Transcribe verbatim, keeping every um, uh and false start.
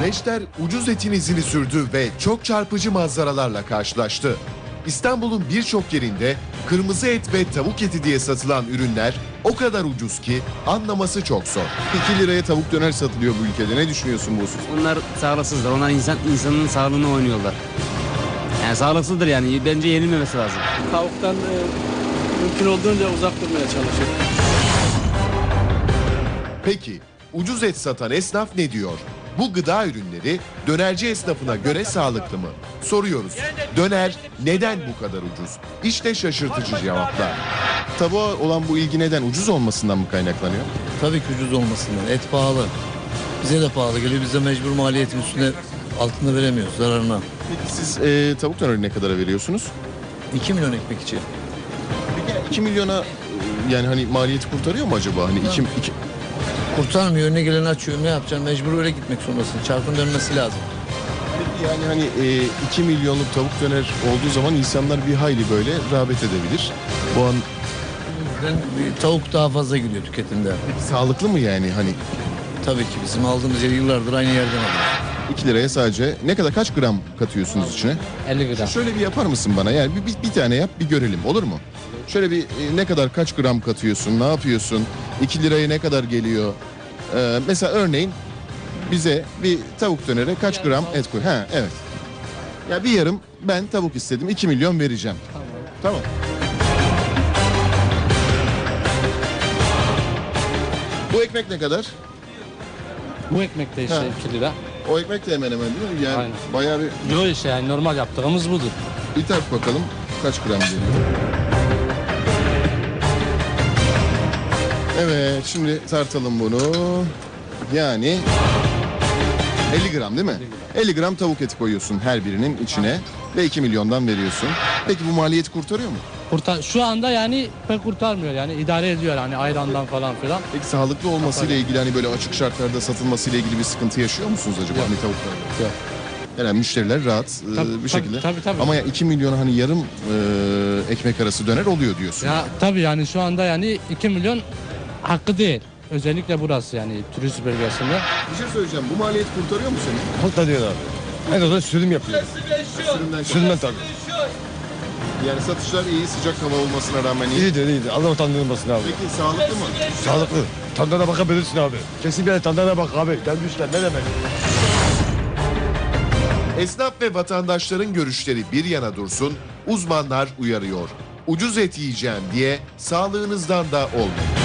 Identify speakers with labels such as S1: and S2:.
S1: Güneşler ucuz etin izini sürdü ve çok çarpıcı manzaralarla karşılaştı. İstanbul'un birçok yerinde kırmızı et ve tavuk eti diye satılan ürünler o kadar ucuz ki anlaması çok zor.
S2: iki liraya tavuk döner satılıyor bu ülkede. Ne düşünüyorsun bu husus?
S3: Onlar sağlıksızdır. Onlar insan insanın sağlığını oynuyorlar. Yani sağlıksızdır yani. Bence yenilmemesi lazım.
S4: Tavuktan e, mümkün olduğunca uzak durmaya çalışıyorum.
S1: Peki ucuz et satan esnaf ne diyor? Bu gıda ürünleri dönerci esnafına göre sağlıklı mı? Soruyoruz. Döner neden bu kadar ucuz? İşte şaşırtıcı cevaplar.
S2: Tavuğa olan bu ilgi neden? Ucuz olmasından mı kaynaklanıyor?
S5: Tabii ki ucuz olmasından. Et pahalı. Bize de pahalı geliyor. Biz de mecbur maliyetin üstüne altında veremiyoruz zararına.
S2: Peki siz e, tavuk döneri ne kadara veriyorsunuz?
S5: iki milyon ekmek için.
S2: Peki iki milyona e, yani hani maliyeti kurtarıyor mu acaba? Hani iki, iki...
S5: Kurtarmıyor. Önüne geleni açıyor. Ne yapacaksın? Mecbur öyle gitmek zorundasın. Çarkın dönmesi lazım.
S2: Peki yani hani e, iki milyonluk tavuk döner olduğu zaman insanlar bir hayli böyle rağbet edebilir. Bu an
S5: Ben, tavuk daha fazla gidiyor tüketimde.
S2: sağlıklı mı yani hani
S5: Tabii ki bizim aldığımız yer yıllardır aynı yerden alıyoruz.
S2: iki liraya sadece ne kadar kaç gram katıyorsunuz içine?
S3: elli gram.
S2: Şöyle bir yapar mısın bana? Yani bir, bir, bir tane yap bir görelim olur mu? Şöyle bir e, ne kadar kaç gram katıyorsun? Ne yapıyorsun? iki liraya ne kadar geliyor? Ee, mesela örneğin bize bir tavuk dönere kaç gram et koy? Ha evet. Ya bir yarım ben tavuk istedim. iki milyon vereceğim. Tamam. Tamam. Bu ekmek ne kadar?
S6: Bu ekmek de işte
S2: Ha.
S6: iki lira.
S2: O ekmek de hemen hemen değil mi? Yani
S6: Aynen.
S2: bayağı bir
S6: Yok işte yani normal yaptığımız budur.
S2: bir tart bakalım kaç gram geliyor. Evet şimdi tartalım bunu. Yani elli gram değil mi? elli gram tavuk eti koyuyorsun her birinin içine ve iki milyondan veriyorsun. Peki bu maliyeti kurtarıyor mu?
S6: Kurtar şu anda yani pek kurtarmıyor yani idare ediyor hani ayrandan falan filan.
S2: Peki sağlıklı olmasıyla ilgili hani böyle açık şartlarda satılmasıyla ilgili bir sıkıntı yaşıyor musunuz acaba hani tavuklarda?
S6: Yok.
S2: Yani müşteriler rahat e,
S6: Tabii,
S2: bir
S6: tabii,
S2: şekilde.
S6: tabii, tabii.
S2: Ama ya iki milyona hani yarım e, ekmek arası döner oluyor diyorsun.
S6: Ya tabii yani şu anda yani iki milyon hakkı değil. Özellikle burası yani turist bölgesinde.
S2: Bir şey söyleyeceğim. Bu maliyet kurtarıyor mu seni?
S7: Kurtarıyor abi. En azından sürüm yapıyor.
S2: Sürümden
S7: Sürümden tabii.
S2: Yani satışlar iyi, sıcak hava olmasına rağmen iyi.
S7: İyidir iyidir. Allah utandırmasın abi.
S2: Peki sağlıklı mı?
S7: Sağlıklı. Tandana bakabilirsin abi. Kesin bir yere tandana bak abi. Gelmişler ne demek.
S1: Esnaf ve vatandaşların görüşleri bir yana dursun, uzmanlar uyarıyor. Ucuz et yiyeceğim diye sağlığınızdan da olmayın.